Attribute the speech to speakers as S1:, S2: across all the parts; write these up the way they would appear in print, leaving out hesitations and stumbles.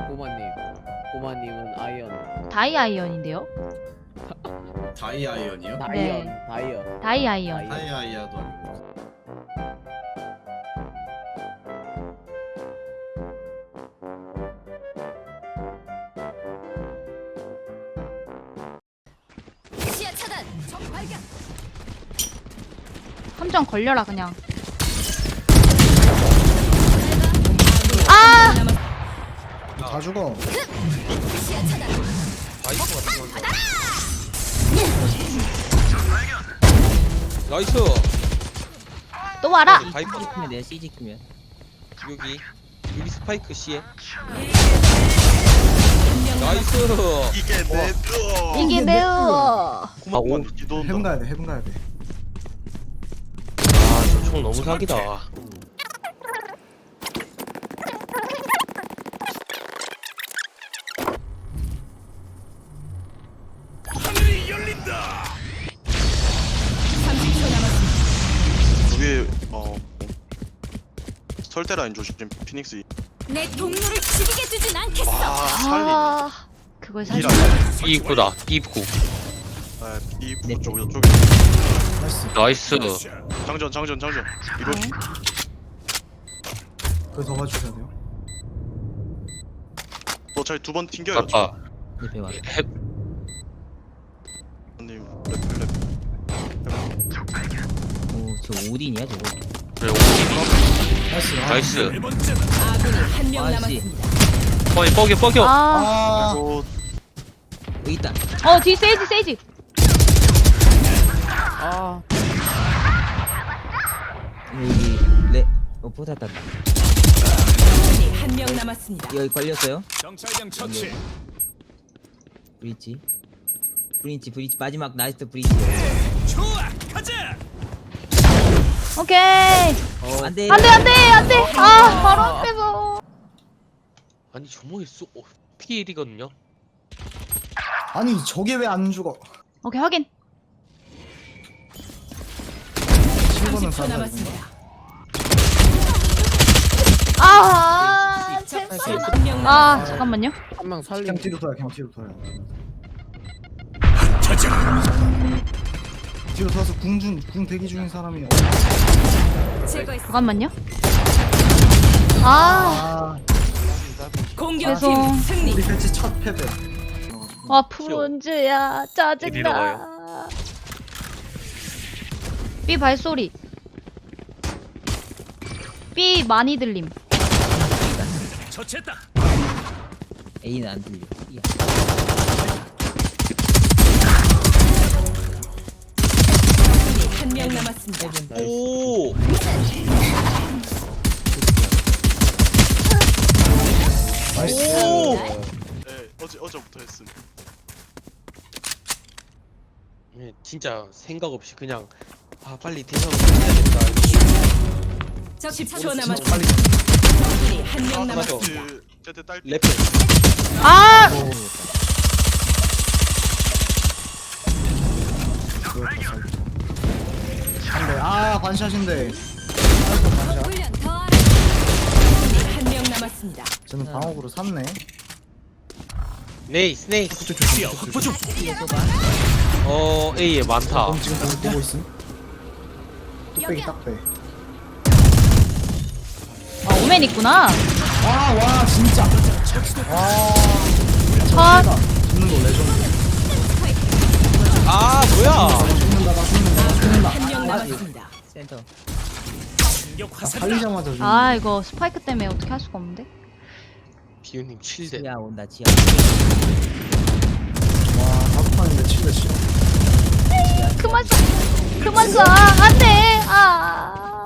S1: 꼬마님은 아이언.
S2: 다이아이언인데요?
S3: 다이아이언이요?
S1: 다이언.
S2: 네.
S1: 다이언.
S2: 다이아이언.
S3: 다이아이아도 아니고.
S4: 시야 차단. 적 발견.
S2: 함정 걸려라 그냥. 아!
S5: 다 죽어.
S4: 시야 차단.
S6: 나이스.
S2: 또 와라.
S6: 바이퍼
S7: 크면 내가 CG 크면
S6: 여기 스파이크 C에. 나이스.
S8: 이게 내
S2: 이게 매우.
S8: 고마워. 기도
S5: 해븐 가야 돼. 해븐 가야 돼.
S6: 아저 총 너무 사기다.
S8: 위에 설대 라인 조심. 피닉스.
S4: 내 동료를 죽이게 두진 않겠어.
S8: 와 살리.
S2: 아, 그걸 살짝.
S8: 이라.
S6: 입구다. 입구.
S8: 이
S7: 네.
S8: 쪽 이쪽에.
S5: 나이스.
S6: 나이스.
S8: 장전. 이거
S2: 네.
S5: 그거 더 봐주셔야 돼요.
S8: 저희 두 번 튕겨요.
S6: 아까
S7: 내 배와
S6: 해
S8: 님
S7: 오저 오딘이야 저거
S6: 그래 오디.
S5: 나이스.
S6: 나이스.
S4: 아군이 한 명
S7: 아이씨.
S4: 남았습니다.
S6: 뻐겨.
S2: 아,
S5: 아.
S8: 이거
S7: 여기 있다
S2: 뒤 세이지.
S1: 아.
S7: 여기 레 포탈 땄다
S4: 아군이 한 명 남았습니다.
S7: 여기 걸렸어요
S9: 정찰병 처치.
S7: 브리치 마지막 나이스 브리치
S9: 좋아, 가자.
S2: 오케이.
S7: 안돼
S2: 안돼. 아, 바로 앞에서.
S6: 아니 조목이 P1이거든요.
S5: 아니 저게 왜 안 죽어?
S2: 오케이 확인.
S5: 7번은
S4: 30초 남았습니다.
S2: 아,
S4: 적
S2: 제발.
S4: 한명
S2: 아,
S4: 남았습니다.
S2: 잠깐만요.
S1: 한 명 살리고.
S5: 그냥 뒤로 돌아요. 뒤로 돌아서 궁 대기 중인 사람이
S4: 제거했습니다.
S2: 잠깐만요. 아,
S5: 아
S4: 공격팀
S2: 죄송.
S4: 승리.
S5: 우리 배치 첫 패배.
S2: 와 프론즈야
S6: 어디로
S2: 짜증나. B 발소리. B 많이 들림.
S9: 처치했다.
S7: A는 안 들려 이야.
S4: 한 명 남았습니다.
S6: 오.
S5: 나이스.
S8: 네, 어제부터 했음.
S6: 진짜 생각 없이 그냥 빨리 대상 해야겠다.
S4: 적 10초
S5: 진짜
S4: 남았습니다.
S5: 빨리.
S4: 적군이 한 명
S6: 맞아.
S4: 남았습니다.
S8: 제때 딸.
S6: 랩.
S2: 아,
S5: 한대. 아 반샷인데. 아이고 반샷.
S4: 훈련 더 하라. 적군이 한 명 남았습니다.
S5: 저는 방어구로 샀네.
S6: 스네이스.
S5: 그쪽 조심.
S9: 확보 중.
S6: A에 많다.
S5: 그럼 지금 보고 있음. 뚝배기 딱 빼.
S2: 아 오멘 있구나.
S5: 와 진짜. 와.
S2: 컷.
S5: 죽는 거 레전드.
S6: 아 뭐야?
S5: 죽는다.
S4: 한 명 남았습니다.
S7: 센터
S9: 공격 화살.
S5: 달리자마자 죽는.
S2: 아 이거 스파이크 때문에 어떻게 할 수가 없는데.
S6: 비우님 7대.
S7: 지하 온다 지하
S5: 와 다섯 판인데 7대 7.
S2: 그만 쏴. 안돼. 아.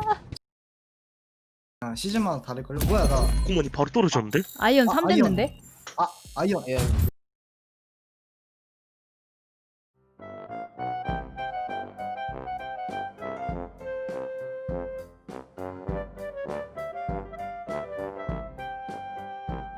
S5: 아, 시즌마다 다를걸요? 뭐야 나.
S6: 공원이 바로 떨어졌는데?
S2: 아이언
S5: 아,
S2: 3
S5: 아이언.
S2: 됐는데.
S5: 아이언.
S1: 아이언.